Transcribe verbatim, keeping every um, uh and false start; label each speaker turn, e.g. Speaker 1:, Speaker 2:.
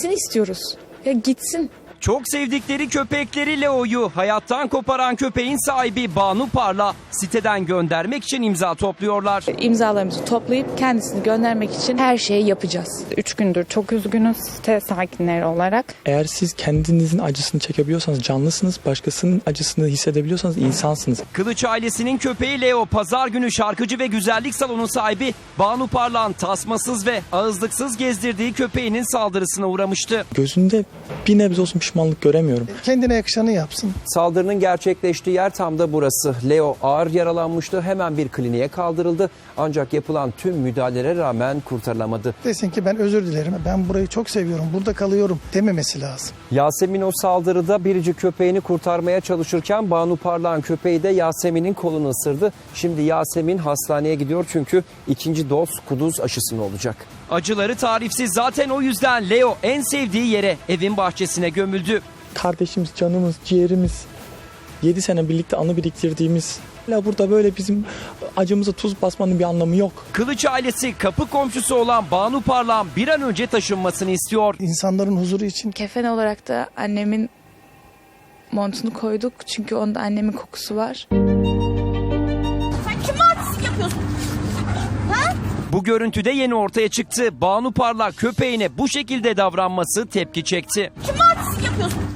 Speaker 1: istiyoruz. Ya gitsin.
Speaker 2: Çok sevdikleri köpekleri Leo'yu hayattan koparan köpeğin sahibi Banu Parla siteden göndermek için imza topluyorlar.
Speaker 1: İmzalarımızı toplayıp kendisini göndermek için her şeyi yapacağız.
Speaker 3: Üç gündür çok üzgünüz site sakinleri olarak.
Speaker 4: Eğer siz kendinizin acısını çekebiliyorsanız canlısınız, başkasının acısını hissedebiliyorsanız insansınız.
Speaker 2: Kılıç ailesinin köpeği Leo pazar günü şarkıcı ve güzellik salonu sahibi Banu Parlak'ın tasmasız ve ağızlıksız gezdirdiği köpeğinin saldırısına uğramıştı.
Speaker 4: Gözünde bir nebze olsun pişmanlık göremiyorum.
Speaker 5: Kendine yakışanı yapsın.
Speaker 6: Saldırının gerçekleştiği yer tam da burası. Leo ağır yaralanmıştı. Hemen bir kliniğe kaldırıldı. Ancak yapılan tüm müdahalelere rağmen kurtarılamadı.
Speaker 5: Desin ki ben özür dilerim. Ben burayı çok seviyorum. Burada kalıyorum dememesi lazım.
Speaker 6: Yasemin o saldırıda biricik köpeğini kurtarmaya çalışırken Banu Parlak'ın köpeği de Yasemin'in kolunu ısırdı. Şimdi Yasemin hastaneye gidiyor çünkü ikinci doz kuduz aşısını olacak.
Speaker 2: Acıları tarifsiz, zaten o yüzden Leo en sevdiği yere, evin bahçesine gömüldü.
Speaker 4: Kardeşimiz, canımız, ciğerimiz, yedi sene birlikte anı biriktirdiğimiz. Hala burada böyle bizim acımıza tuz basmanın bir anlamı yok.
Speaker 2: Kılıç ailesi kapı komşusu olan Banu Parlak'ın bir an önce taşınmasını istiyor.
Speaker 5: İnsanların huzuru için.
Speaker 1: Kefen olarak da annemin montunu koyduk. Çünkü onda annemin kokusu var.
Speaker 7: Sen kime artistlik yapıyorsun? Ha?
Speaker 2: Bu görüntüde yeni ortaya çıktı. Banu Parlak köpeğine bu şekilde davranması tepki çekti.
Speaker 7: Kime artistlik yapıyorsun?